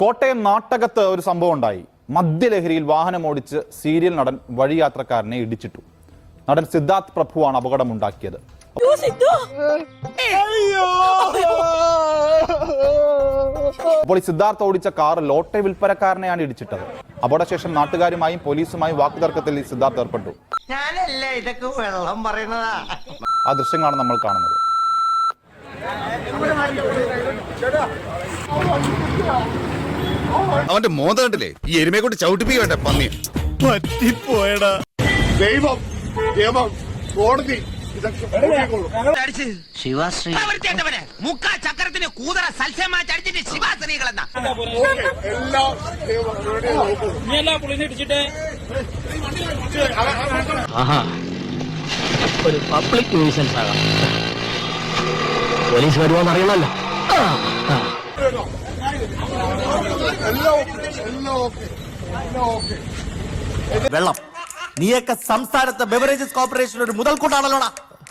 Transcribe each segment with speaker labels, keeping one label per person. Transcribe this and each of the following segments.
Speaker 1: കോട്ടയം നാട്ടകത്ത് ഒരു സംഭവം ഉണ്ടായി. മദ്യലഹരിയിൽ വാഹനമോടിച്ച് സീരിയൽ നടൻ വഴിയാത്രക്കാരനെ ഇടിച്ചിട്ടു. നടൻ സിദ്ധാർത്ഥ് പ്രഭുവാണ് അപകടമുണ്ടാക്കിയത്. അപ്പോൾ ഈ സിദ്ധാർത്ഥ് ഓടിച്ച കാർ ലോട്ടറി വിൽപ്പനക്കാരനെയാണ് ഇടിച്ചിട്ടത്. അപകടശേഷം നാട്ടുകാരുമായും പോലീസുമായും വാക്കുതർക്കത്തിൽ ഈ സിദ്ധാർത്ഥ് ഏർപ്പെട്ടു. ആ ദൃശ്യങ്ങളാണ് നമ്മൾ കാണുന്നത്.
Speaker 2: അവന്റെ മോന്ത കണ്ടില്ലേ? ഈ എരുമയെ കൊണ്ട് ചവിട്ടിപ്പിക്കണ്ട പന്നി പറ്റിപ്പോയടാ.
Speaker 3: ദൈവം ദൈവം കോടതി
Speaker 4: ശിവാശ്രീ ചക്രത്തിന് കൂതറ സൽസ്യമാടിച്ചിട്ട് ശിവാശ്രീകളെന്നാ
Speaker 5: ഒരു പബ്ലിക് ന്യൂസൻസ് ആകാം. പോലീസ് വരുവാന്ന് അറിയണമല്ലോ.
Speaker 6: വെള്ളം നീയൊക്കെ സംസ്ഥാനത്തെ ബെവറേജസ് കോർപ്പറേഷൻ ഒരു മുതൽക്കൂട്ടാണല്ലോടാ.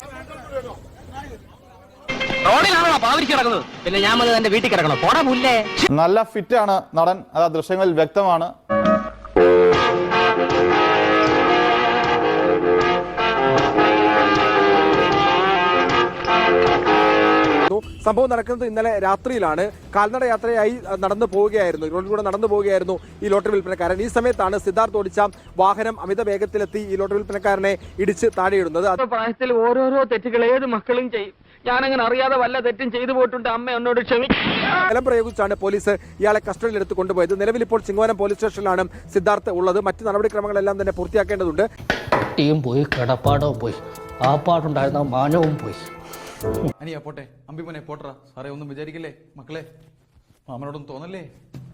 Speaker 5: റോഡിലാണോ പാവരിച്ച് കിടക്കുന്നത്? പിന്നെ ഞാൻ വന്ന് എന്റെ വീട്ടിൽ കിടക്കണം. പോടാ പുല്ലേ.
Speaker 1: നല്ല ഫിറ്റാണ് നടൻ. അത് ആ ദൃശ്യങ്ങളിൽ വ്യക്തമാണ്.
Speaker 7: സംഭവം നടക്കുന്നത് ഇന്നലെ രാത്രിയിലാണ്. കാൽനട യാത്രയായി നടന്നു പോവുകയായിരുന്നു, റോഡിലൂടെ നടന്നു പോവുകയായിരുന്നു ഈ ലോട്ടറി വിൽപ്പനക്കാരൻ. ഈ സമയത്താണ് സിദ്ധാർത്ഥ് ഓടിച്ച വാഹനം അമിത വേഗത്തിലെത്തി ഈ ലോട്ടറി വിൽപ്പനക്കാരനെ ഇടിച്ച് താഴെയിടുന്നത്.
Speaker 5: പ്രായത്തിൽ ഓരോരോ തെറ്റുകൾ ഏത് മക്കളും ചെയ്യും. ഞാനങ്ങനെ അറിയാതെ വല്ല തെറ്റും ചെയ്തു പോയിട്ടുണ്ട്. അമ്മ എന്നോട്
Speaker 7: ബലം പ്രയോഗിച്ചാണ് പോലീസ് ഇയാളെ കസ്റ്റഡിയിലെടുത്ത് കൊണ്ടുപോയത്. നിലവിൽ ഇപ്പോൾ ചിങ്ങവനം പോലീസ് സ്റ്റേഷനിലാണ് സിദ്ധാർത്ഥ് ഉള്ളത്. മറ്റ് നടപടിക്രമങ്ങളെല്ലാം തന്നെ പൂർത്തിയാക്കേണ്ടതുണ്ട്.
Speaker 5: കുട്ടിയും പോയി, കിടപ്പാടവും പോയി, ആ പാടുണ്ടായിരുന്ന മാനവും പോയി.
Speaker 8: അനിയാ പോട്ടെ, അമ്പിമനെ പോട്ടറ സാറേ, ഒന്നും വിചാരിക്കല്ലേ മക്കളെ, മാമനോടൊന്നും തോന്നല്ലേ.